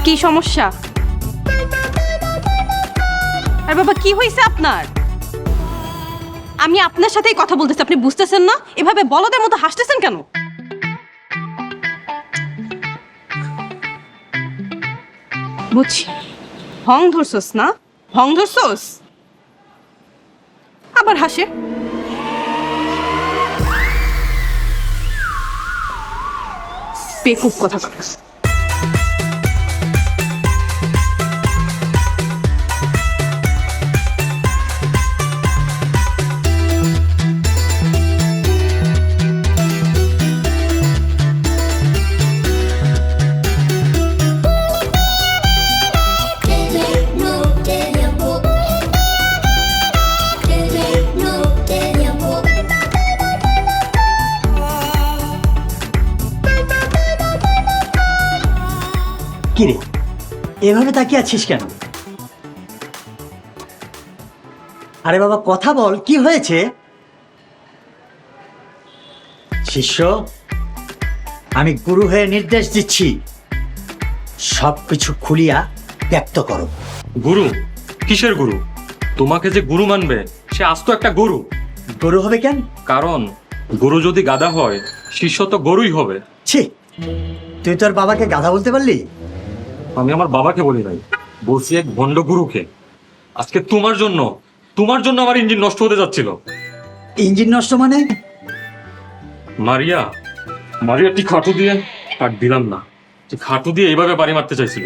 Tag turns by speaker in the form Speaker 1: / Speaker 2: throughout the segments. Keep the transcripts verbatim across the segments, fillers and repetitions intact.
Speaker 1: কি সমস্যা? আর বাবা কি হয়েছে আপনার? আমি আপনার সাথেই কথা বলতেছি, আপনি বুঝতেছেন না? এভাবে বলদের মতো হাসতেছেন কেন? বুঝছি, ভং ধরছস না? ভং ধরছস, আবার হাসে। বেকুব কথা কথা।
Speaker 2: কিরে এভাবে তাকিয়ে আছিস কেন? আরে বাবা কথা বল, কি হয়েছে? শিষ্য, আমি গুরু হয়ে নির্দেশ দিচ্ছি, সবকিছু খুলিয়া ব্যক্ত করো।
Speaker 3: গুরু? কিসের গুরু? তোমাকে যে গুরু মানবে সে আস্ত একটা গরু।
Speaker 2: গরু হবে কেন?
Speaker 3: কারণ গুরু যদি গাধা হয় শিষ্য তো গরুই হবে।
Speaker 2: ছি, তুই তোর বাবাকে গাধা বলতে পারলি?
Speaker 3: আমি আমার বাবাকে বলি নাই, বলছি এক ভণ্ড গুরুকে। আজকে তোমার জন্য তোমার জন্য আমার ইঞ্জিন নষ্ট হতে যাচ্ছিল।
Speaker 2: ইঞ্জিন নষ্ট মানে?
Speaker 3: মারিয়া মারিয়া ঠিক খাটু দিয়ে কাট দিলাম না, ঠিক খাটু দিয়ে এইভাবে বাড়ি মারতে চাইছিল।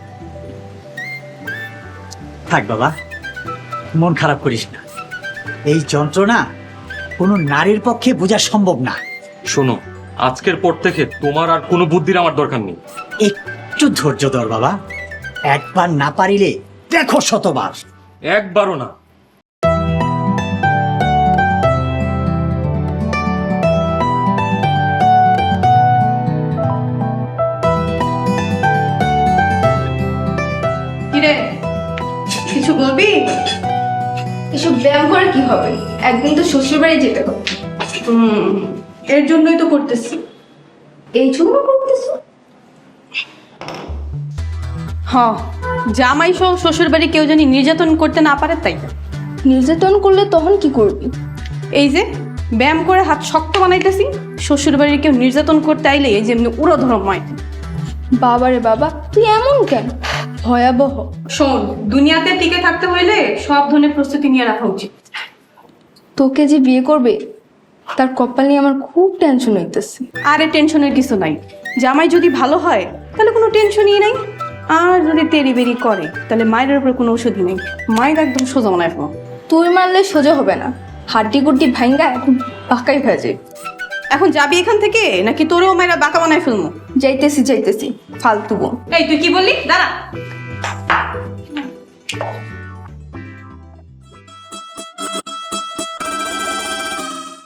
Speaker 2: থাক বাবা, মন খারাপ করিস না, এই যন্ত্রণা কোনো নারীর পক্ষে বোঝা সম্ভব না।
Speaker 3: শোনো, আজকের পর থেকে তোমার আর কোনো বুদ্ধির আমার দরকার নেই।
Speaker 2: একটু ধৈর্য ধর বাবা, একবার না পারিলে দেখো শতবার।
Speaker 3: একবারও না।
Speaker 1: কিরে, কিছু বলবি?
Speaker 4: এসব ব্যায়াম করে কি হবে? একদিন তো শ্বশুর বাড়ি যেতে হবে।
Speaker 1: হুম, এর জন্যই তো করতেছি।
Speaker 4: এই জন্য করতেছো?
Speaker 1: হ্যাঁ, জামাই সহ শ্বশুর বাড়ি কেউ জানি নির্যাতন করতে না পারে তাই।
Speaker 4: নির্যাতন করলে তখন কি করবি?
Speaker 1: এই যে ব্যায়াম করে হাত শক্ত বানাইতেছি, শ্বশুর বাড়ির কেউ নির্যাতন করতে আইলে এই যে এমনি উড়ো ধরো ময়।
Speaker 4: বাবারে বাবা, তুই এমন কেন? ভয়াবহ।
Speaker 1: শোন, দুনিয়াতে টিকে থাকতে হইলে সব ধরনের প্রস্তুতি নিয়ে রাখা উচিত।
Speaker 4: তোকে যে বিয়ে করবে তার কপাল নিয়ে আমার খুব টেনশন হইতেছে।
Speaker 1: আরে টেনশনের কিছু নাই, জামাই যদি ভালো হয় তাহলে কোনো টেনশনই নাই। আর যদি তেরি বেরি করে তাহলে মায়ের উপরে কোনো ওষুধই নেই, মায়ের একদম সোজা মনে রাখবো।
Speaker 4: তুই মারলে সোজা হবে না, হাড্ডি গুড্ডি ভাঙ্গা এখন বাঁকাই হয়ে যায়।
Speaker 1: এখন যাবি এখান থেকে নাকি তোরেও মায়েরা বাঁকা বানায় ফেলবো?
Speaker 4: যাইতেছি যাইতেছি, ফালতু বোন।
Speaker 1: এই তুই কি বললি? দাঁড়া।